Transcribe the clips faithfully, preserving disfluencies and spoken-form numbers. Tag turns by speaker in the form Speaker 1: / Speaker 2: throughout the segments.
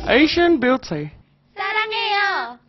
Speaker 1: Asian Beauty
Speaker 2: ซารังเอโย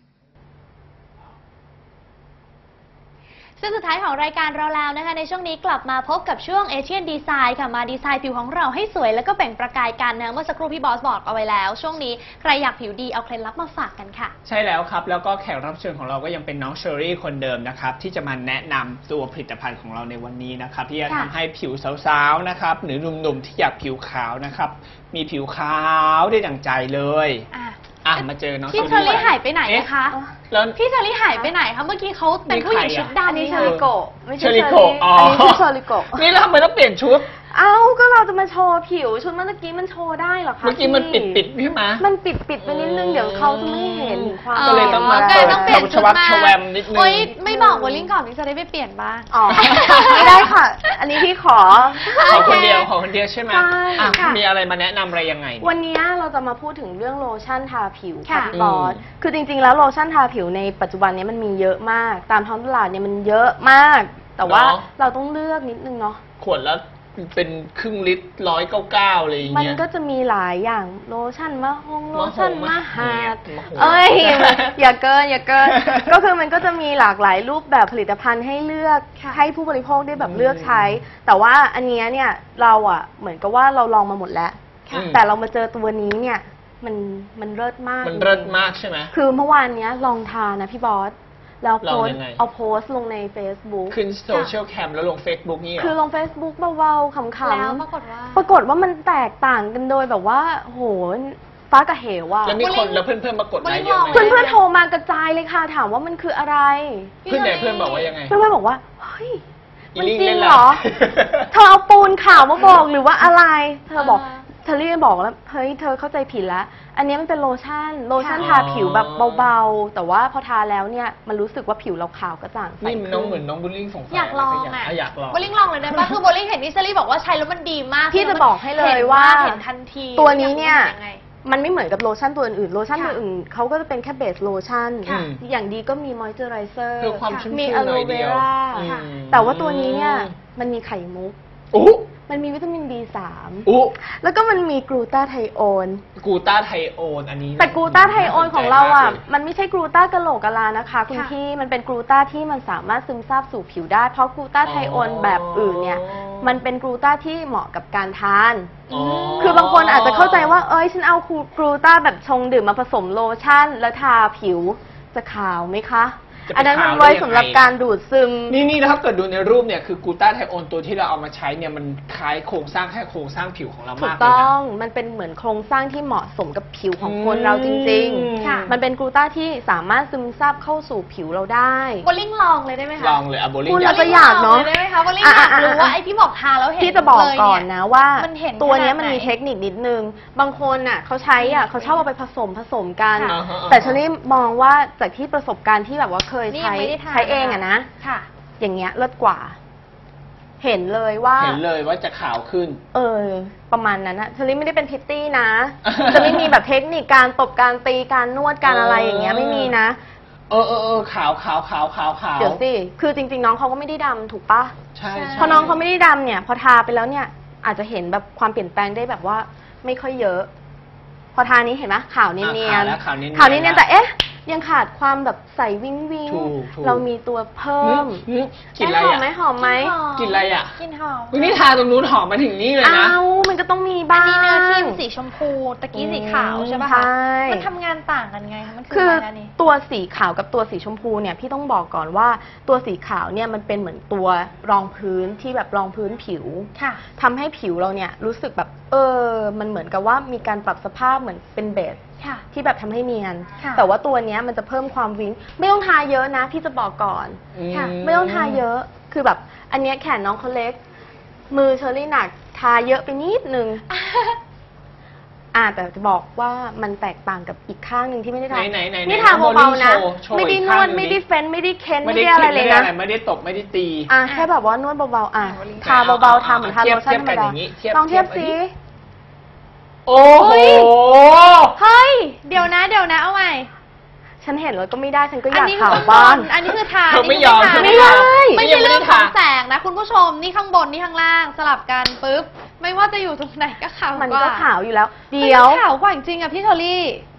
Speaker 2: ซึ่งสุดท้ายของรายการเราแล้วนะคะในช่วงนี้กลับมาพบกับช่วง Asian Design ค่ะมาดีไซน์ผิวของเราให้สวยแล้วก็แบ่งประกายกันนะเมื่อสักครู่พี่บอสบอกเอาไว้แล้วช่วงนี้ใครอยากผิวดีเอาเคล็ดลับมาฝากกันค่ะ
Speaker 3: ใช่แล้วครับแล้วก็แขกรับเชิญของเราก็ยังเป็นน้องเชอรี่คนเดิมนะครับที่จะมาแนะนำตัวผลิตภัณฑ์ของเราในวันนี้นะครับที่จะทำให้ผิวสาวๆนะครับหรือหนุ่มๆที่อยากผิวขาวนะครับมีผิวขาวได้ดั่งใจเลยอ่ะมาเจอน้อง
Speaker 2: พี่เชอรี่หายไปไหนคะแล้วพี่เชอรี่หายไปไหนคะเมื่อกี้เขาเป็นผู้หญิงชุดดำ
Speaker 4: นี่เชอริโกะไม่ใช่เชอ
Speaker 3: ริ
Speaker 4: โกะอันนี้คือเชอริโกะ
Speaker 3: นี่แล้วทำไมต้องเปลี่ยนชุด
Speaker 4: เอ้าก็เราจะมาโชว์ผิวชุดเมื่อกี้มันโชว์ได้เหรอคะ
Speaker 3: เมื่อกี้มันปิดปิดใช่ไหม
Speaker 4: มันปิดปิดไปนิดนึงเดี๋ยวเขาจะไม่เห็นความ
Speaker 3: ก็เลยต้องมาเปิดต้องเปลี่ยนชุดมาแวมนิดนึง
Speaker 2: โอ๊ยไม่บอกวอลลิ่งก่อนพี่จะได้ไปเปลี่ยนบ้าง
Speaker 4: อ๋อไม่ได้ค่ะอันนี้พี่ขอ
Speaker 3: ขอคนเดียวขอคนเดียวใช่ไหมมีอะไรมาแนะนำอะไรยังไง
Speaker 4: วันนี้เราจะมาพูดถึงเรื่องโลชั่นทาผิวค่ะพี่บอสคือจริงๆแล้วโลชั่นทาผิวในปัจจุบันนี้มันมีเยอะมากตามท้องตลาดเนี่ยมันเยอะมากแต่ว่าเราต้องเลือกนิดนึงเนาะ
Speaker 3: ขวดแล้วเป็นครึ่งลิตรร้อยเก้าเก้าอะไรอย่างเงี้ย
Speaker 4: มันก็จะมีหลายอย่างโลชั่นมะฮงโลชั่นมะหาดเอ้ยอย่าเกินอย่าเกินก็คือมันก็จะมีหลากหลายรูปแบบผลิตภัณฑ์ให้เลือกให้ผู้บริโภคได้แบบเลือกใช้แต่ว่าอันนี้เนี่ยเราอ่ะเหมือนกับว่าเราลองมาหมดแล้วแต่เรามาเจอตัวนี้เนี่ยมันมันเลิศมาก
Speaker 3: มันเลิศมากใช่ไหม
Speaker 4: คือเมื่อวานนี้ลองทานนะพี่บอสเราโพสเอาโพสลงใน Facebook
Speaker 3: ขึ้นโซเชียลแคมแล้วลง Facebook นี่หรอ
Speaker 4: คือลง Facebook เบาๆขำๆ
Speaker 2: แล้วปรากฏว่า
Speaker 4: ปรากฏว่ามันแตกต่างกันโดยแบบว่าโหฟ้ากับเหวว่ะ
Speaker 3: แล้วมีคนแล้วเพื่อนๆมากดไลค์เยอะไหม
Speaker 4: เพื่อนๆโทรมากระจายเลยค่ะถามว่ามันคืออะไร
Speaker 3: เพื่อนไหนเพื่อนบอกว่ายังไง
Speaker 4: เพื่อนๆบอกว่าเฮ้ยมันจริงเหรอเธอเอาปูนขาวมาบอกหรือว่าอะไรเธอบอกเธอเรียกบอกแล้วเฮ้ยเธอเข้าใจผิดแล้วอันนี้มันเป็นโลชั่นโลชั่นทาผิวแบบเบาๆแต่ว่าพอทาแล้วเนี่ยมันรู้สึกว่าผิวเราขาวกระจ่างใส
Speaker 3: นี่น้องเหมือนน้องบุลลิ่งสงสัย
Speaker 2: อยากลองอ่ะ
Speaker 3: อยากลอง
Speaker 2: บุลลิ่งลองเลยได้ป่ะคือบุลลิ่งเห็นนิชลี่บอกว่าใช้แล้วมันดีมาก
Speaker 4: พี่จะบอกให้เลยว่า
Speaker 2: เห็นทันที
Speaker 4: ตัวนี้เนี่ยมันไม่เหมือนกับโลชั่นตัวอื่นๆโลชั่นตัวอื่นเขาก็จะเป็นแค่เบสโลชั่นอย่างดีก็มีมอยเจอไรเซอร์มีอะโลเวราแต่ว่าตัวนี้เนี่ยมันมีไข่มุกมันมีวิตามิน บี สาม
Speaker 3: อุ๊
Speaker 4: แล้วก็มันมีกลูตาไทโอน
Speaker 3: กลูตาไทโอนอันนี้
Speaker 4: แต่กลูตาไทโอนของเราอ่ะมันไม่ใช่กลูตากะโหลกกะลานะคะคุณพี่มันเป็นกลูตาที่มันสามารถซึมซาบสู่ผิวได้เพราะกลูตาไทโอนแบบอื่นเนี่ยมันเป็นกลูตาที่เหมาะกับการทานคือบางคนอาจจะเข้าใจว่าเอ้ยฉันเอากลูตาแบบชงดื่มมาผสมโลชั่นแล้วทาผิวจะขาวไหมคะอันนั้นมันไว้สำหรับการดูดซึม
Speaker 3: นี่นี่นะครับเกิดดูในรูปเนี่ยคือกลูตาไทโอนตัวที่เราเอามาใช้เนี่ยมันคล้ายโครงสร้างแค่โครงสร้างผิวของเรามากเลยนะถูก
Speaker 4: ต้องมันเป็นเหมือนโครงสร้างที่เหมาะสมกับผิวของคนเราจริงๆมันเป็นกลูตาที่สามารถซึมซาบเข้าสู่ผิวเราได้
Speaker 2: โบลิ่งลองเลยได้ไหมคะ
Speaker 3: ลองเลยอะโบลิ่ง
Speaker 4: คุณเราจะอยากเนาะ
Speaker 2: ได้ไหมคะโบลิ่งอยากรู้ว่าไอ้ที่บอกทาแล้วเห็น
Speaker 4: พี่จะบอกก่อนนะว่าตัวนี้มันมีเทคนิคนิดนึงบางคนอ่ะเขาใช้อ่ะเขาชอบเอาไปผสมผสมกันแต่ฉันนี่มองว่าจากที่ประสบการณ์ที่แบบว่าเคยใช้ใช้เองอะนะอย่างเงี้ยเลิศกว่า เห็นเลยว่า
Speaker 3: เห็นเลยว่าจะขาวขึ้น
Speaker 4: เออประมาณนั้นนะเชอรี่ไม่ได้เป็นพิตตี้นะ จะไม่มีแบบเทคนิคการตบการตีการนวดการอะไรอย่างเงี้ยไม่มีนะ
Speaker 3: เออเออเออขาวขาวขาวขาวขาว
Speaker 4: เดี๋ยวสิคือจริงๆน้องเขาก็ไม่ได้ดำถูกปะ
Speaker 3: ใช่
Speaker 4: พอน้องเขาไม่ได้ดำเนี่ยพอทาไปแล้วเนี่ยอาจจะเห็นแบบความเปลี่ยนแปลงได้แบบว่าไม่ค่อยเยอะพอทานี้เห็นไหมขาวเนียนๆขาวเนียนๆแต่เอ๊ะยังขาดความแบบใสวิ้งวิ้งเรามีตัวเพิ่ม
Speaker 3: กลิ่นอะไร
Speaker 4: หอมไหมหอมไหม
Speaker 3: กลิ่นอะไรอ่ะ
Speaker 2: กลิ่นหอม
Speaker 3: วันนี้ทาตรงนู้นหอมมาถึงนี่เลยนะ
Speaker 4: อ้าวมันก็ต้องมีบ้าง
Speaker 2: อันนี้เนื้อครีมสีชมพูตะกี้สีขาวใช่ป่ะคะมันทำงานต่างกันไงมัน
Speaker 4: คือตัวสีขาวกับตัวสีชมพูเนี่ยพี่ต้องบอกก่อนว่าตัวสีขาวเนี่ยมันเป็นเหมือนตัวรองพื้นที่แบบรองพื้นผิวทำให้ผิวเราเนี่ยรู้สึกแบบเออมันเหมือนกับว่ามีการปรับสภาพเหมือนเป็นเบสที่แบบทำให้เนียนแต่ว่าตัวนี้มันจะเพิ่มความวิ้งไม่ต้องทาเยอะนะพี่จะบอกก่อนไม่ต้องทาเยอะคือแบบอันนี้แขนน้องเขาเล็กมือเชอรี่หนักทาเยอะไปนิดนึงอ่าแต่จะบอกว่ามันแตกต่างกับอีกข้างหนึ่งที่ไม่ได้ทานี่ทาเบาๆนะไม่ได้นวดไม่ได้เฟ้นไม่ได้เค้นไม่ได้อะไรเลยนะ
Speaker 3: ไม่ได้ตบไม่ได้ตี
Speaker 4: อ่าแค่แบบว่านวดเบาๆอ่าทาเบาๆทาเหมือนทาโลชั่นธรรมดาลองเทียบซิ
Speaker 3: โอ้โห
Speaker 2: เฮ้ยเดี๋ยวนะเดี๋ยวนะเอาใหม่
Speaker 4: ฉันเห็นแล้วก็ไม่ได้ฉันก็อยากขาวบ้าง
Speaker 2: อันนี้คือทา
Speaker 3: ไม่ยอม
Speaker 4: ไม่ได้
Speaker 2: ไม่ใช่เรื่องของแสงนะคุณผู้ชมนี่ข้างบนนี่ข้างล่างสลับกันปุ๊บไม่ว่าจะอยู่ตรงไหนก็ขาว
Speaker 4: มันก็ขาวอยู่แล้วเดี๋ยว
Speaker 2: ขาวกว่าจริงอ่ะพี่เชอรี่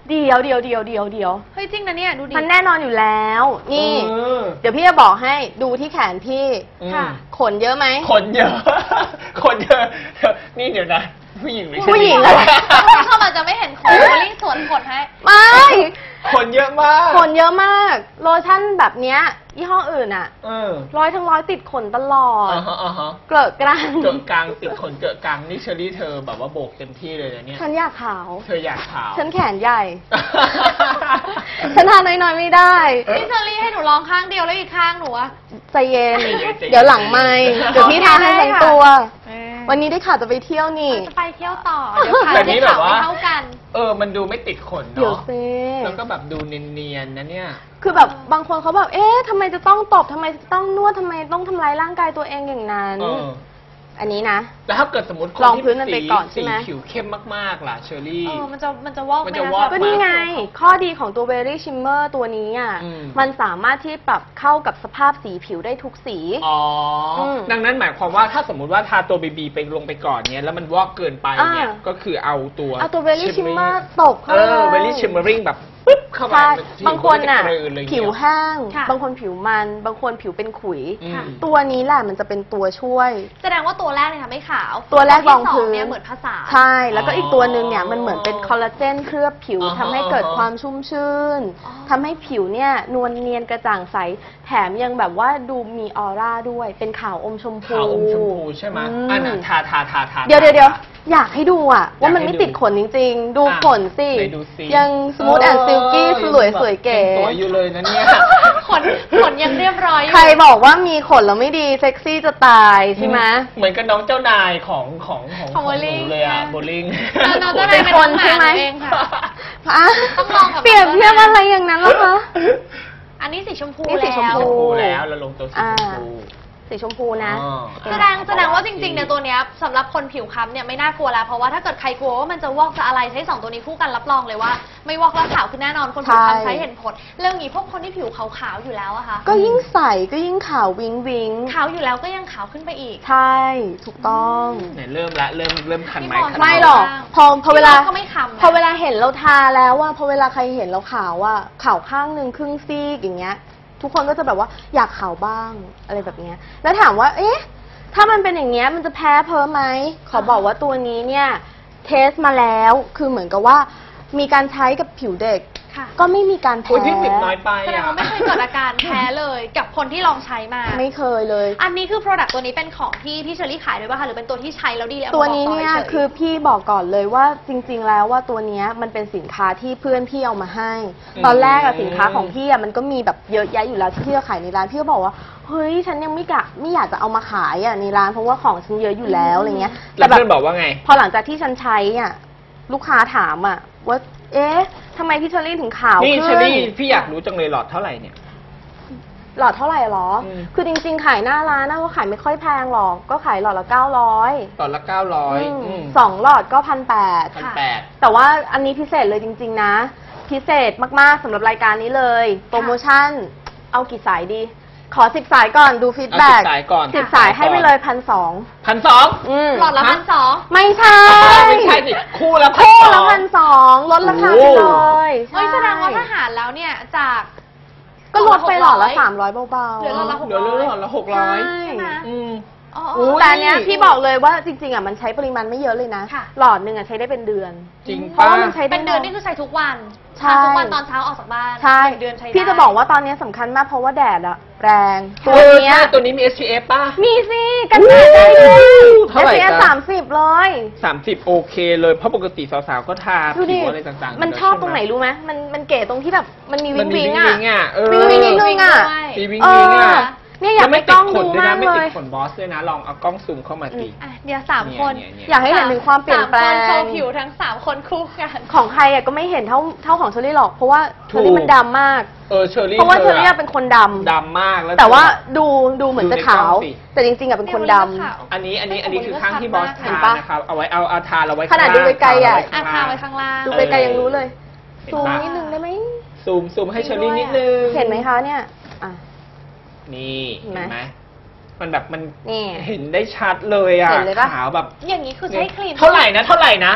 Speaker 4: เดี๋ยวเดี๋ยวเดี๋ยวเดี๋ยวเดี๋ยว
Speaker 2: เฮ้ยจริงนะเนี่ยดูดิ
Speaker 4: มันแน่นอนอยู่แล้ว นี่
Speaker 3: เออ
Speaker 4: เดี๋ยวพี่จะบอกให้ดูที่แขนพี่
Speaker 3: อืม
Speaker 2: ค่ะ
Speaker 4: ขนเยอะไหม
Speaker 3: ขนเยอะ ขนเยอะ นี่เดี๋ยวนะ ผู้หญิงหรือ
Speaker 4: ผู้หญิง
Speaker 3: อะ
Speaker 4: อะไร
Speaker 2: คุณผู้ชมอาจจะไม่เห็นขนลิงสวนขนให้
Speaker 4: ไม่
Speaker 3: ขนเยอะมาก
Speaker 4: ขนเยอะมาก โลชั่นแบบเนี้ยยี่ห้ออื่นอะ
Speaker 3: เออ
Speaker 4: ร้อยทั้งร้อยติดขนตลอด
Speaker 3: อ่าฮะอ่าฮะ
Speaker 4: เกลอะกรัง
Speaker 3: เกิดกลางติดขนเกิดกลางนี่เชอรี่เธอแบบว่าโบกเต็มที่เลยนะเนี่ย
Speaker 4: ฉันอยากขาว
Speaker 3: เธออยากขาว
Speaker 4: ฉันแขนใหญ่ ฉันทานน้อยๆไม่ได้
Speaker 2: พี่เชอรี่ให้หนูลองข้างเดียวแล้วอีกข้างหนูอะ
Speaker 4: ใจเย็น
Speaker 3: ใจเย็นใจเย็น
Speaker 4: เดี๋ยวหลังไม่เดี๋ยวพี่ทาให้ทั้งตัว
Speaker 2: เออ
Speaker 4: วันนี้ได้ข่าวจะไปเที่ยวนี่
Speaker 2: จะไปเที่ยวต่อ เดี๋ยวขา
Speaker 3: แต่
Speaker 2: จะ
Speaker 3: นี่แบบ
Speaker 2: ขาว
Speaker 3: ว่า
Speaker 2: ไม่เท่ากัน
Speaker 3: เออ มันดูไม่ติดขน
Speaker 4: เดี๋ยว
Speaker 3: เนาะ
Speaker 4: ซิ
Speaker 3: แล้วก็แบบดูเนียนๆนะเนี่ย
Speaker 4: คือแบบบางคนเขาแบบ เอ๊ะทำไมจะต้องตบทำไมจะต้องนวดทำไมต้องทำร้ายร่างกายตัวเองอย่างนั้น
Speaker 3: เออ
Speaker 4: อันนี้นะ
Speaker 3: แล้วถ้าเกิดสมมติคน
Speaker 4: ลอง
Speaker 3: ที่
Speaker 4: พื้นมันไป
Speaker 3: สี
Speaker 4: ก่อนใช่
Speaker 3: สี
Speaker 4: ไหม
Speaker 3: ผิวเข้มมากๆล่ะเชอรี่
Speaker 2: เออ มันจะ มันจะวอกไห
Speaker 3: มัน
Speaker 2: ม
Speaker 3: จะ
Speaker 2: คะ
Speaker 3: วอก
Speaker 4: ก็นี่ไง ข้อดีของตัว Berry Shimmer ตัวนี้อ่ะ
Speaker 3: อืม
Speaker 4: มันสามารถที่ปรับเข้ากับสภาพสีผิวได้ทุกสี
Speaker 3: อ๋ออ
Speaker 4: ม
Speaker 3: ดังนั้นหมายความว่าถ้าสมมุติว่าทาตัวบีบีไปลงไปก่อนเนี่ยแล้วมันวอกเกินไปเนี่ย
Speaker 4: อ่า
Speaker 3: ก็คือเอาตัว
Speaker 4: เอาตัว Berry Shimmer ตบเข้า
Speaker 3: เอ
Speaker 4: ไป
Speaker 3: อ
Speaker 4: เลย
Speaker 3: เบลลี่ชิมเมอริงแบบปึ๊บเข้าไป
Speaker 4: ใช่
Speaker 3: ผิว
Speaker 4: บางคนน่ะ
Speaker 3: ก็จกระเลย
Speaker 4: ผิว
Speaker 3: เนี่ย
Speaker 4: แห้ง
Speaker 2: ค่ะ
Speaker 4: บางคนผิวมัน บางคนผิวเป็นขุย
Speaker 3: อืม
Speaker 4: ตัวนี้แหละมันจะเป็นตัวช่วย
Speaker 2: แสดงว่าตัวแรกเนี่ยทำให้ขาว
Speaker 4: ตัวแรก
Speaker 2: ที่
Speaker 4: รองพื้น
Speaker 2: สเนี่ยเหมือนผสาน
Speaker 4: ใช่ แล้วก็อีกตัวหนึ่งเนี่ยมันเหมือนเป็นคอลลาเจนเคลือบผิว
Speaker 3: อ่าฮะ
Speaker 4: ทำให้เกิดความชุ่มชื่น
Speaker 2: อ๋อ
Speaker 4: ทำให้ผิวเนี่ยนวลเนียนกระจ่างใส แถมยังแบบว่าดูมีออร่าด้วย เป็นขาวอมชมพู
Speaker 3: ขาวอมชมพูใช่ไหม
Speaker 4: อืม
Speaker 3: อันน่ะทาทาทาทา
Speaker 4: เดี๋ยวเดี๋ยวเดี๋ยวอยากให้ดูอะว่ามัน
Speaker 3: อยากให้
Speaker 4: ไม่
Speaker 3: ดู
Speaker 4: ติดขนจริงๆ ดู
Speaker 3: อ่ะ
Speaker 4: ขนสิ
Speaker 3: ไหนดูสิ
Speaker 4: ยังสมูทแอนด์ซิลกี้สวยสวยเก๋
Speaker 3: สวยอยู่เลยนะเนี่ย
Speaker 2: ขน ขนยังเรียบร้อยอยู่
Speaker 4: ใครบอกว่ามีขนแล้วไม่ดีเซ็กซี่จะตายใช่ไหม
Speaker 3: เหมือนกับน้องเจ้านายของของของ
Speaker 2: ของ
Speaker 3: ห
Speaker 2: bowling
Speaker 3: นูเลยอะโบลิ่ง
Speaker 2: เออน้องเจ้านาย
Speaker 4: เป็นคนใช่ไหม
Speaker 2: เองค่ะ
Speaker 4: อ่ะ
Speaker 2: ต้องลองกับ
Speaker 4: เปรียบเทียบอะไรอย่างนั้นเหรอคะ
Speaker 2: อันนี้สีชมพู
Speaker 4: นี่สีชม
Speaker 2: แล้ว
Speaker 4: พู
Speaker 3: ชมพูแล้วเราลงตัวสีชมพู
Speaker 4: สีชมพูนะ
Speaker 3: อ๋อ
Speaker 2: แสดงแสดงว่าจริงๆเนี่ยตัวเนี้ยสำหรับคนผิวคล้ำเนี่ยไม่น่ากลัวแล้วเพราะว่าถ้าเกิดใครกลัวว่ามันจะวอกจะอะไรใช้สองตัวนี้คู่กันรับรองเลยว่า ไม่วอกแล้วขาวคือแน่นอนคนผิวคล้ำ
Speaker 4: ใช่
Speaker 2: ใช้เห็นผลเรื่องนี้พวกคนที่ผิวขาวๆอยู่แล้วอะค่ะ
Speaker 4: ก็ยิ่งใสก็ยิ่งขาววิงวิง
Speaker 2: ขาวอยู่แล้วก็ยังขาวขึ้นไปอีก
Speaker 4: ใช่ ถูกต้อง
Speaker 3: เนี่ยเริ่มละเริ่มเริ่มคันไม้
Speaker 2: พี่บอล
Speaker 3: คัน
Speaker 4: ไม่
Speaker 3: มื
Speaker 4: หรอก พอพอเวลา
Speaker 2: พี่บอลก็ไม่คำนะ
Speaker 4: พอเวลาเห็นเราทาแล้วว่าพอเวลาใครเห็นเราขาวว่าขาวข้างหนึ่งครึ่งซีกอย่างเงี้ย ทุกคนก็จะแบบว่าอยากขาวบ้างอะไรแบบเนี้ยแล้วถามว่า เอ๊ะ ถ้ามันเป็นอย่างเงี้ยมันจะแพ้เพ้อไหมขอบอกว่าตัวนี้เนี่ยเทสมาแล้วคือเหมือนกับว่ามีการใช้กับผิวเด็ก
Speaker 2: ค่ะ
Speaker 4: ก็ไม่มีการ
Speaker 3: โอ้ย
Speaker 4: แพ้
Speaker 3: พี่สิบน้อยไป
Speaker 2: แสดง
Speaker 3: อ่ะ
Speaker 2: ว่าไม่เคยเกิดอาการแพ้เลยกับคนที่ลองใช้มา
Speaker 4: ไม่เคยเลย
Speaker 2: อันนี้คือ Product ตัวนี้เป็นของที่พี่เชอรี่ขายด้วยป่ะคะหรือเป็นตัวที่ใช้แล้วดีแล้ว
Speaker 4: ตัวนี้เนี่ย
Speaker 2: อามาบกต่ฉ
Speaker 4: คือพี่บอกก่อนเลยว่าจริง ๆ แล้วว่าตัวเนี้ยมันเป็นสินค้าที่เพื่อนพี่เอามาให้
Speaker 3: อืม
Speaker 4: ตอนแรกอะสินค้าของพี่อะมันก็มีแบบเยอะแยะอยู่แล้วที่พี่จะขายในร้านพี่ก็บอกว่าเฮ้ยฉันยังไม่กะไม่อยากจะเอามาขายอะในร้านเพราะว่าของฉันเยอะอยู่แล้วอะไรเงี้ย
Speaker 3: แล้ว
Speaker 4: แบ
Speaker 3: เพื่อนบอกว่าไง
Speaker 4: พอหลังจากที่ฉันใช้อะลูกค้าถามอะว่าเอ๊ะทำไมพี่เชอรี่ถึงขาว
Speaker 3: นี่
Speaker 4: ขึ้น
Speaker 3: เชอรี่พี่อยากรู้จังเลยหลอดเท่าไหร่เนี่ย
Speaker 4: หลอดเท่าไหร่หรอ
Speaker 3: อืม
Speaker 4: คือจริงๆขายหน้าร้านนะก็ขายไม่ค่อยแพงหรอกก็ขายหลอดละเก้าร้อย
Speaker 3: หลอดละเก้าร้อย
Speaker 4: สองหลอดก็พันแปด
Speaker 3: พันแปด
Speaker 4: แต่ว่าอันนี้พิเศษเลยจริง ๆ นะ พิเศษมาก ๆสำหรับรายการนี้เลย โปรโมชั่น เอากี่สายดี ขอสิบสายก่อนดูฟีด
Speaker 3: เอา
Speaker 4: แบ็
Speaker 3: สิ
Speaker 4: ก
Speaker 3: บสายก่อน
Speaker 4: สิบสายให้ไปเลยพันสอง
Speaker 3: พันสอง
Speaker 2: หลอดละพันสอง
Speaker 4: ไม่ใช่
Speaker 3: ไม่ใช่สิคู่ละพัน
Speaker 4: คู่
Speaker 3: ส
Speaker 4: ละ
Speaker 3: อง
Speaker 4: พันสองลดราคาไปเลย
Speaker 2: เฮ้ย
Speaker 4: ใช่
Speaker 2: แสดงว่าถ้าหารแล้วเนี่ยจาก
Speaker 4: ก็ลดไปหลอดละสามร้อยเบาๆ
Speaker 2: เหลือหลอดละ
Speaker 3: เดี๋ยวเรื่องหลอดละหกร้อย
Speaker 4: ใช่
Speaker 2: ใช่ไหม
Speaker 3: อืม
Speaker 2: อ๋อ
Speaker 3: อุ๊ย
Speaker 4: แต่อันเนี้ยพี่บอกเลยว่าจริง ๆอ่ะมันใช้ปริมาณไม่เยอะเลยนะ
Speaker 2: ค่ะ
Speaker 4: หลอดหนึ่งอ่ะใช้ได้เป็นเดือน
Speaker 3: จริง
Speaker 4: เพราะ
Speaker 3: ป้า
Speaker 4: ว่ามันใช้ได้
Speaker 2: เป็นเดือนนี่คือใช้ทุกวัน
Speaker 4: ใช่
Speaker 2: ทานทุกวันตอนเช้าออกจากบ้าน
Speaker 4: ใช่
Speaker 2: หนึ่งเดือนใช้ได้
Speaker 4: พี่จะบอกว่าตอนนี้สำคัญมากเพราะว่าแดดอะแรง
Speaker 3: ตั
Speaker 4: ตัว ว
Speaker 3: เนี้
Speaker 4: เนี้
Speaker 3: ย
Speaker 4: ย
Speaker 3: ตัวนี้มี เอส พี เอฟ ป่ะ
Speaker 4: มีสิกันแดดได้ด้วย
Speaker 3: เท่าไหร่
Speaker 4: เอส
Speaker 3: จ๊ะ
Speaker 4: สามสิบเลย
Speaker 3: สามสิบโอเคเลย เพราะปกติสาวๆ ก็ทา
Speaker 4: ดูดิ
Speaker 3: ผิวอะไรต่างๆ
Speaker 4: มัน
Speaker 3: ยู่แล้ว
Speaker 4: ชอบ
Speaker 3: ใช่
Speaker 4: ตรงไหนรู้ไหมมันมันเก๋ตรงที่แบบมันมี
Speaker 3: มั
Speaker 4: วิ
Speaker 3: น
Speaker 4: ง
Speaker 3: มี
Speaker 4: วิง
Speaker 3: วิง
Speaker 4: อะ
Speaker 3: วิงอ่ะเออ
Speaker 4: วิงวิงนิดนึงอะ
Speaker 3: มีวิง
Speaker 4: เอ
Speaker 3: วิง
Speaker 4: อ
Speaker 3: อ่ะ
Speaker 4: เนี่ยอยาก
Speaker 3: แล้ว
Speaker 4: ให้
Speaker 3: ไม่
Speaker 4: ก
Speaker 3: ติ
Speaker 4: ล้
Speaker 3: ด
Speaker 4: อง
Speaker 3: ขน
Speaker 4: ดู
Speaker 3: ด้วย
Speaker 4: มา
Speaker 3: นะ
Speaker 4: ก
Speaker 3: ไม่
Speaker 4: เล
Speaker 3: ติด
Speaker 4: ย
Speaker 3: ขนบอสด้วยนะ ลองเอากล้องซูมเข้ามาสิ
Speaker 2: อ่ะเดี๋ยวสามคน
Speaker 3: เนี่ยเนี่ย
Speaker 4: อยากให้เห็นถึงความเปลี่ยนแปล
Speaker 2: สามคนโช
Speaker 4: ง
Speaker 2: ว์ผิวทั้งสามคนคู่กัน
Speaker 4: ของใครอะก็ไม่เห็นเท่าเท่าของเชอรี่หรอกเพราะว่าเชอรี่มันดำมาก
Speaker 3: เออเชอรี่
Speaker 4: เพราะว่าเช
Speaker 3: ธ
Speaker 4: อ
Speaker 3: อ
Speaker 4: รี่
Speaker 3: อะ
Speaker 4: เป็นคนดำ
Speaker 3: ดำมากแล้ว
Speaker 4: แต่ว่า
Speaker 3: เธอ
Speaker 4: ดูดูเหมือนจะขาว
Speaker 3: ดูในกล้องสิ
Speaker 4: แต่จริงๆอะเป็นคนดำ
Speaker 3: อันนี้อันนี้อันนี้คือข้างที่บอส
Speaker 2: เห็
Speaker 3: ทาน
Speaker 4: ปะ
Speaker 3: นะครับ เอาไว้เอาเอาทาเราไว้
Speaker 4: ขนาดดูไกลๆอะ
Speaker 2: อ่ะทาไว้ข้างล่าง
Speaker 4: ดูไกลๆยังรู้เลย
Speaker 3: เห็น
Speaker 4: ซูม
Speaker 3: ปะ
Speaker 4: นิดนึงได้ไหม
Speaker 3: ซูมซูมให้เชอรี่นิดนึง
Speaker 4: เห็นไหมคะเนี่ยอ่ะ
Speaker 3: นี่
Speaker 4: เห็
Speaker 3: เห็
Speaker 4: น
Speaker 3: น
Speaker 4: ไห
Speaker 3: ไห
Speaker 4: ม
Speaker 3: มมันแบบมัน
Speaker 4: นี่
Speaker 3: เห็นได้ชัดเลยอ่ะ
Speaker 4: เห็นเลยปะ
Speaker 3: ขาวแบบ
Speaker 2: อย่างนี้คือใช้ครีม
Speaker 3: เท่าไหร่นะ เท่าไหร่นะ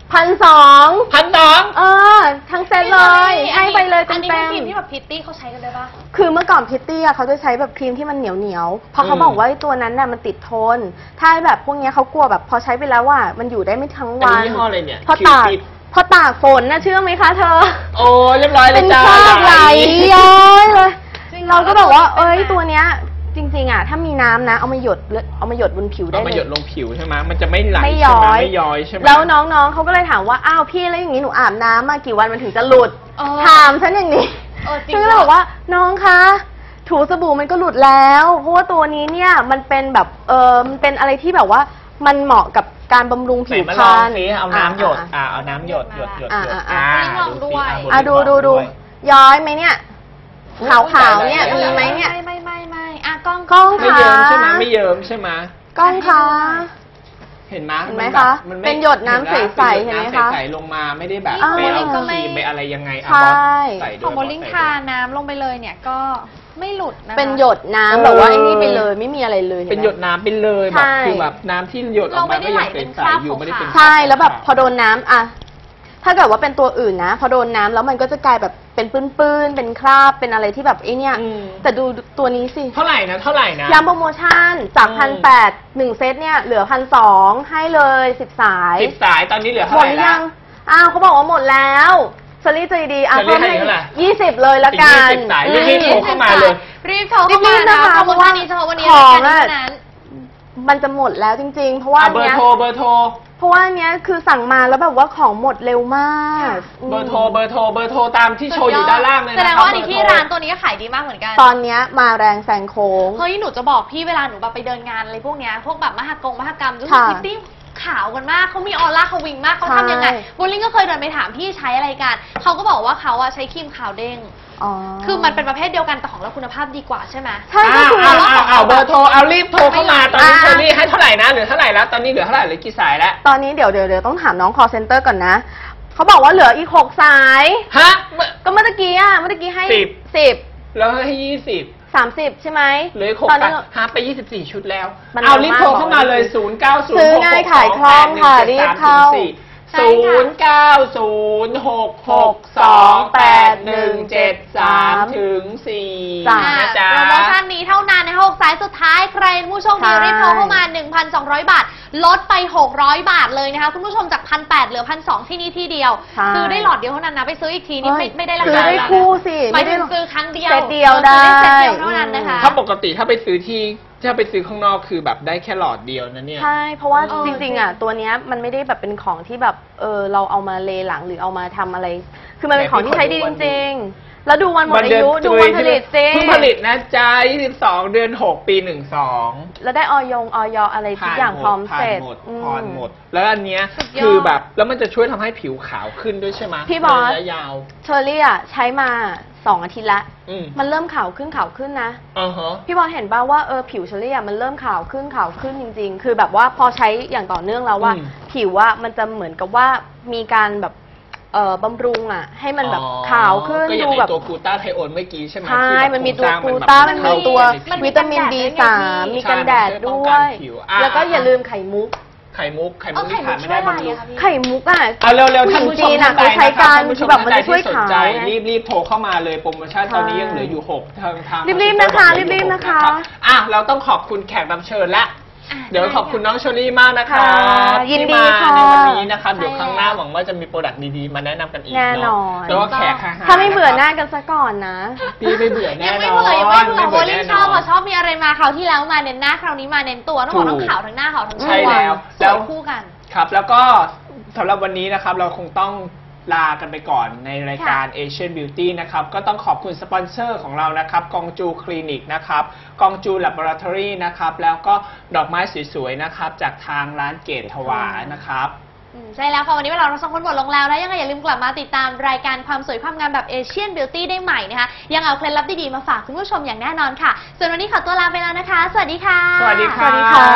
Speaker 4: พันสอง
Speaker 3: พันสอง
Speaker 4: เออทั้งเซตเลย ให้ไปเลย
Speaker 2: อั
Speaker 4: เต็
Speaker 2: น
Speaker 4: ม
Speaker 2: นี้
Speaker 4: เต็
Speaker 2: คือครีม
Speaker 4: ม
Speaker 2: ที่แบบพิตตี้เขาใช้กันได้ปะ
Speaker 4: คือเมื่อก่อนพิตตี้อะเขาจะใช้แบบครีมที่มันเหนียวเหนียวๆเพราะเขา
Speaker 3: อืม
Speaker 4: บอกว่าไอ้ตัวนั้นน่ะมันติดทน ถ้าแบบพวกเนี้ยเขากลัวแบบพอใช้ไปแล้วว่ามันอยู่ได้ไม่ทั้ง
Speaker 3: อัน
Speaker 4: วั
Speaker 3: นี้
Speaker 4: น
Speaker 3: ยี่ห้ออะไรเนี่ย
Speaker 4: พอตาก
Speaker 3: คิวปิด
Speaker 4: พอตากฝนนะเชื่อไหมคะเธอ
Speaker 3: โอ้เรียบร้อยเล
Speaker 4: เป็
Speaker 3: ย
Speaker 4: น
Speaker 3: จ้า
Speaker 4: คราบไหลย้อยเลย
Speaker 2: จริงเหรอ
Speaker 4: เราก็บอกว่า
Speaker 2: แล้วตัว
Speaker 4: เอ้ย
Speaker 2: เป็นไหม
Speaker 4: ตัวเนี้ยจริงๆอ่ะถ้ามีน้ำนะเอามาหยดเลยเอามาหยดบนผิวได้
Speaker 3: เอามา
Speaker 4: เล
Speaker 3: หย
Speaker 4: ย
Speaker 3: ดลงผิวใช่ไหมมันจะไม่ไหล
Speaker 4: ไม่
Speaker 3: ใช่
Speaker 4: ย้
Speaker 3: ไหม
Speaker 4: อย
Speaker 3: ไม่ย้อยใช่ไหม
Speaker 4: แล้วน้องๆเขาก็เลยถามว่าอ้าวพี่แล้วอย่างนี้หนูอาบน้ำมากี่วันมันถึงจะหลุด
Speaker 2: เออ
Speaker 4: ถามฉันอย่างนี้
Speaker 2: เออจริง
Speaker 4: ฉันก็เลยบอกว่าน้องคะถูสบู่มันก็หลุดแล้วเพราะว่าตัวนี้เนี่ยมันเป็นแบบเออมันเป็นอะไรที่แบบว่ามันเหมาะกับการบำรุง
Speaker 3: ไหน
Speaker 4: ผิว
Speaker 3: มา
Speaker 4: พ
Speaker 3: ล
Speaker 4: ร
Speaker 3: อง
Speaker 4: รณ
Speaker 3: สิเอาน้ำหยด
Speaker 4: อ่ะ
Speaker 3: อ่าเอาน้ำหยดหยดหยด
Speaker 4: อ่ะ
Speaker 3: หยด
Speaker 4: อ่ะ
Speaker 3: อ่า
Speaker 2: ลองด้วย
Speaker 3: สิ
Speaker 4: อ่ะดูดูดู
Speaker 3: วย
Speaker 4: ย้อยไหมเนี่ยขาวๆเนี่ย
Speaker 3: อุ๊ย
Speaker 4: มีไหมเนี่ย
Speaker 2: ไม่ไม่ไม่ไม่อ่ะกล้อง
Speaker 4: กล้อง
Speaker 3: ไม่เยิ้มใช่ไหมไม่เยิ้มใช่ไหม
Speaker 4: กล้องคะ
Speaker 3: เห็นไหม
Speaker 4: เห็นไหม
Speaker 3: แบบ
Speaker 4: คะ
Speaker 3: มัไม่
Speaker 4: เป็นหยดน้ำใสๆ
Speaker 3: เป็นหยด
Speaker 4: เห็นไหม
Speaker 3: น้ำ
Speaker 4: คะ
Speaker 3: ใสๆลงมาไม่ได้แบบ
Speaker 4: อ่า
Speaker 3: ไปเอา
Speaker 2: ก็
Speaker 3: ค
Speaker 2: ไม่
Speaker 3: รีมไปอะไรยังไงอ่ะ
Speaker 4: ใช่
Speaker 3: บอสใส่ด้วย
Speaker 2: ของโบลิ่ง
Speaker 3: บอส
Speaker 2: ทา
Speaker 3: ใส่ด้วย
Speaker 2: น้ำลงไปเลยเนี่ยก็ไม่หลุดนะคะ
Speaker 4: เป็นหยดน้ำ
Speaker 3: เออ
Speaker 4: แบบว่าไอ้นี่ไปเลยไม่มีอะไรเลย
Speaker 3: เป็น
Speaker 4: ไหม
Speaker 3: หยดน้ำไปเลยแบ
Speaker 4: ใช่
Speaker 3: บคือแบบน้ำที่หยดออกมาก็ยังเป็นใสอยู่ไม่ได้เป็น
Speaker 4: ใช่แล้วแบบพอโดนน้ำอะถ้าเกิดว่าเป็นตัวอื่นนะ พอโดนน้ำแล้วมันก็จะกลายแบบเป็นปื้นๆเป็นคราบเป็นอะไรที่แบบไอ้เนี่ย
Speaker 3: อืม
Speaker 4: แต่ดูตัวนี้สิ
Speaker 3: เท่าไหร่นะเท่าไหร่นะ
Speaker 4: ย้ำโปรโมชั่นจาก
Speaker 3: อืม
Speaker 4: พันแปดหนึ่งเซตเนี่ยเหลือพันสองให้เลยสิบสาย
Speaker 3: สิบสายตอนนี้เหลือ
Speaker 4: ห
Speaker 3: เท่าม ไห
Speaker 4: ด
Speaker 3: ร่
Speaker 4: หรือ
Speaker 3: แล้
Speaker 4: ยั
Speaker 3: ว
Speaker 4: งอ้าวเขาบอกว่าหมดแล้วสลีใจดีอ่ะ
Speaker 3: สลี
Speaker 4: เพิ่ม
Speaker 3: ให้
Speaker 4: ให้
Speaker 3: เท่าไหร่
Speaker 4: ยี่สิบเลยละกัน
Speaker 3: อีกยี่สิบสายรีบๆโทรเข้ามาเลย
Speaker 2: รีบโทรเข้ามา
Speaker 4: รีบๆ
Speaker 2: นะ
Speaker 4: นะคะ
Speaker 2: โปรโมชั่นนี้เฉพาะวันนี้
Speaker 4: ของ
Speaker 2: รายการนี้
Speaker 4: อะ
Speaker 2: เท่านั้น
Speaker 4: มันจะหมดแล้วจริงๆ เพราะว่า
Speaker 3: อ่ะเบอ
Speaker 4: เนี้
Speaker 3: ร์
Speaker 4: ย
Speaker 3: โทรเบอร์โทร
Speaker 4: เพราะว่าเนี้ยคือสั่งมาแล้วแบบว่าของหมดเร็วมาก
Speaker 3: เบอร์โทรเบอร์โทรเบอร์โทรตามที่โชว์อยู่ด้านล่างเลย
Speaker 2: แส
Speaker 3: นะ
Speaker 2: ด
Speaker 3: ครับ
Speaker 2: งว่าอันนี้ที่
Speaker 3: เบอโ
Speaker 2: ร้านตัวนี้ก็ขายดีมากเหมือนกัน
Speaker 4: ตอนเนี้ยมาแรงแซงโค้ง
Speaker 2: เฮ้ยหนูจะบอกพี่เวลาหนูแบบไปเดินงานอะไรพวกเนี้ยพวกแบบมหกงมหกรรมรู้สึก
Speaker 4: ค่ะ
Speaker 2: พิตตี้ขาวกันมากเขามีออร่าเขาวิงมากเขาทำยังไง
Speaker 4: ใช่
Speaker 2: โบลิ่งก็เคยเดินไปถามพี่ใช้อะไรกันเขาก็บอกว่าเขาอะใช้ครีมขาวเด้ง
Speaker 4: อ๋อ
Speaker 2: คือมันเป็นประเภทเดียวกันแต่ของเราคุณภาพดีกว่าใช่ไหม
Speaker 4: ใช่ก็
Speaker 3: อ้าว
Speaker 4: คือ
Speaker 3: อ้าวอ้าวอ้าวเบอร์โทรเอารีบโทรเข้ามาตอนนี้
Speaker 4: อ่า
Speaker 3: เชอรี่ให้เท่าไหร่นะเหลือเท่าไหร่แล้วตอนนี้เหลือเท่าไหร่เหลือกี่สายแล้ว
Speaker 4: ตอนนี้เดี๋ยวเดี๋ยวเดี๋ยวต้องถามน้อง call center ก่อนนะ เขาบอกว่าเหลืออีกหกสาย
Speaker 3: ฮะ
Speaker 4: ก็เมื่อตะกี้อ่ะ เมื่อตะกี้ให้
Speaker 3: สิบ
Speaker 4: สิบ
Speaker 3: แล้วให้ยี่สิบ
Speaker 4: สามสิบใช่ไหม
Speaker 3: เหลืออีกหก
Speaker 4: ตอน
Speaker 3: สา
Speaker 4: นี้
Speaker 3: ยหาไปยี่สิบสี่ชุดแล้ว
Speaker 4: มัน
Speaker 3: เอา
Speaker 4: เร็ว
Speaker 3: รีบ
Speaker 4: มาก
Speaker 3: โทรเข้ามาเลย
Speaker 4: บอกเลย
Speaker 3: ศูนย์ เก้า ศูนย์
Speaker 4: ซื้อ
Speaker 3: หก
Speaker 4: ง่าย
Speaker 3: หก
Speaker 4: ขายคล่องค่ะรีบเข้า
Speaker 2: ใช่
Speaker 3: ศู
Speaker 2: ค่ะ
Speaker 3: นย์ เก้า ศูนย์ หก หก สอง แปด หนึ่ง เจ็ด สามถึงสี่
Speaker 4: จ้ะ
Speaker 3: นะจ๊ะ
Speaker 2: โปรโมชั่นนี้เท่านั้นนะคะหกสายสุดท้ายใครเป็นผู้โชคดี
Speaker 4: ใช่
Speaker 2: รีบโทรเข้ามา หนึ่งพันสองร้อย บาท ลดไป หกร้อย บาทเลยนะคะคุณผู้ชมจาก หนึ่งพันแปดร้อย เหลือ หนึ่งพันสองร้อย ที่นี่ที่เดียว
Speaker 4: ใช่
Speaker 2: ซื้อได้หลอดเดียวเท่านั้นนะ ไปซื้ออีกทีนี่ไม่ไม่ได้รา
Speaker 4: ซื้อ
Speaker 2: คา
Speaker 4: ได้
Speaker 2: แล้วนะ
Speaker 4: คู่สิ
Speaker 2: หมาย
Speaker 4: ไม่
Speaker 2: ถึ
Speaker 4: ได้
Speaker 2: งซื้อครั้งเดียว
Speaker 4: เซตเดียวได้
Speaker 2: ซื้อเซตเดียวเท่านั้นนะคะ
Speaker 3: ถ้าปกติถ้าไปซื้อที่ถ้าไปซื้อข้างนอกคือแบบได้แค่หลอดเดียวนะเนี่ย
Speaker 4: ใช่ เพราะว่า
Speaker 2: เออ
Speaker 4: จริงๆอ่ะตัวเนี้ยมันไม่ได้แบบเป็นของที่แบบเออเราเอามาเลหลังหรือเอามาทำอะไร คือมันเป็นของที่ใช้ดีจริงๆ แล้วดูวันหมดอายุดูวันผลิตจริง
Speaker 3: เพิ่งผลิตนะจ๊ะยี่สิบสองเดือนหกปีหนึ่งสอง
Speaker 4: แล้วได้ออยงออยอะไรทุกอย่างพร้อมเสร็จ
Speaker 3: ผ่านหมด
Speaker 4: อืม
Speaker 3: ผ่านหมด แล้วอันเนี้ย
Speaker 2: สุดยอด
Speaker 3: คือแบบแล้วมันจะช่วยทำให้ผิวขาวขึ้นด้วยใช่ไหม
Speaker 4: พี่บอส
Speaker 3: ระยะยาว
Speaker 4: เชอรี่อ่ะใช้มาสองอาทิตย์ละ
Speaker 3: อืม
Speaker 4: มันเริ่มขาวขึ้นขาวขึ้นนะ
Speaker 3: อ่าฮะ
Speaker 4: พี่บอลเห็นป่าว่าเออผิวเชอรี่อ่ะมันเริ่มขาวขึ้นขาวขึ้นจริง ๆ คือแบบว่าพอใช้อย่างต่อเนื่องแล้วว่า
Speaker 3: อืม
Speaker 4: ผิวว่ามันจะเหมือนกับว่ามีการแบบเอ่อบำรุงอ่ะ ให้มันแบบ
Speaker 3: อ๋อ
Speaker 4: ขาวขึ้น
Speaker 3: ก็อย่าง
Speaker 4: ดู
Speaker 3: ไอ้
Speaker 4: แบบ
Speaker 3: ตัวกลูตาไทโอนเมื่อกี้ใช่ไหม
Speaker 4: ใช่
Speaker 3: ที่แบบ
Speaker 4: มันมี
Speaker 3: โค
Speaker 4: ตัว
Speaker 3: รงสร้าง
Speaker 4: กลู
Speaker 3: แบบ
Speaker 4: ต้า
Speaker 3: มั
Speaker 4: มัน
Speaker 3: เข้
Speaker 4: มีตัว
Speaker 2: มันมี
Speaker 4: วิตามิน
Speaker 2: กันแดด
Speaker 4: บี
Speaker 2: ด้วยไง
Speaker 4: สาม
Speaker 2: พี่
Speaker 4: มีกันแดด
Speaker 3: ใช่มันช่วยป้อง
Speaker 4: ด้
Speaker 3: กั
Speaker 4: วน ย
Speaker 3: ผิวอ่ะ
Speaker 4: แล้วก็อย่าลืมไข่มุก
Speaker 3: ไข่มุกไข่
Speaker 2: เอ
Speaker 3: มุ
Speaker 2: อก ไข่
Speaker 3: ที่
Speaker 2: มุ
Speaker 3: ขาก ดไม่
Speaker 2: ช่วย
Speaker 3: ได้
Speaker 2: อะไร
Speaker 3: บำรุง
Speaker 2: อะคะพี่
Speaker 4: ไข่มุกอ่ะ
Speaker 3: เอาเร็วๆท่านผู้ชม
Speaker 4: จีนอะ
Speaker 3: ท่านใด
Speaker 4: เขาใช้กัน
Speaker 3: ท่านผู้ช
Speaker 4: คือ
Speaker 3: ม
Speaker 4: แบบมัน
Speaker 3: ท่า
Speaker 4: จะช่วย
Speaker 3: ใดที่สนใจ
Speaker 4: ขาวไง
Speaker 3: รีบรีบโทรเข้ามาเลยโปรโมชั่น
Speaker 4: ใช่
Speaker 3: ตอนนี้ยังเหลืออยู่หกทางทาง
Speaker 4: รีบๆนะคะ
Speaker 3: เหลืออยู่
Speaker 4: รีบๆ
Speaker 3: หก
Speaker 4: นะคะ
Speaker 3: รับอ่ะเราต้องขอบคุณแขกรับเชิญและ
Speaker 2: อ่ะ
Speaker 3: เดี๋ยวขอบคุณน้องเชอรี่มากนะคะ
Speaker 4: ค่ะยินดี
Speaker 3: ที่มา
Speaker 4: ค่ะ
Speaker 3: ในวันนี้นะคะ
Speaker 2: ใช่
Speaker 3: เดี๋ยวครั้งหน้า
Speaker 2: แล้ว
Speaker 3: หวังว่าจะมีโปรดักต์ดีๆมาแนะนำกันอีก
Speaker 4: แน่น
Speaker 3: เนาะ
Speaker 4: อน
Speaker 3: แล้วก็แขกค่ะ
Speaker 4: ถ้าไม่เบื่อหน้ากันซะก่อนนะ
Speaker 3: พี่ไม่เบื่อแน่
Speaker 2: ยัง
Speaker 3: น
Speaker 2: ไม่
Speaker 3: อน
Speaker 2: เบื่อยังไม่เบื่อโบลิ่ง
Speaker 3: แน่
Speaker 2: ช
Speaker 3: น
Speaker 2: อบ
Speaker 3: น
Speaker 2: อ่ะชอบมีอะไรมาคราวที่แล้วมาเน้นหน้าคราวนี้มาเน้นตัวต้องบอก
Speaker 3: ถูก
Speaker 2: ต้องขาวทั้งหน้าขาวทั้งตัว
Speaker 3: ใช่แล้ว
Speaker 2: ส
Speaker 3: แล้ว
Speaker 2: วยคู่กัน
Speaker 3: ครับแล้วก็สำหรับวันนี้นะครับเราคงต้องลากันไปก่อนในรายการ Asian Beauty นะครับก็ต้องขอบคุณสปอนเซอร์ของเรานะครับกองจูคลินิกนะครับกองจู Laboratory นะครับแล้วก็ดอกไม้สวยๆนะครับจากทางร้านเกตถวายนะครับ
Speaker 2: อืมใช่แล้วค่ะ วันนี้เวลาเราสองคนหมดลงแล้วนะยังไงอย่าลืมกลับมาติดตามรายการความสวยความงามแบบ Asian Beauty ได้ใหม่นะคะยังเอาเคล็ดลับดีๆมาฝากคุณผู้ชมอย่างแน่นอนค่ะ ส่วนวันนี้ขอตัวลาไปแล้วนะคะ สวัสดีค่ะ
Speaker 3: สวัสดี
Speaker 4: ส
Speaker 3: ค่ะ
Speaker 4: วัสดีค่ะ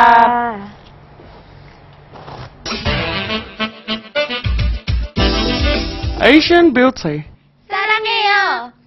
Speaker 1: Asian Beauty.
Speaker 2: 사랑해요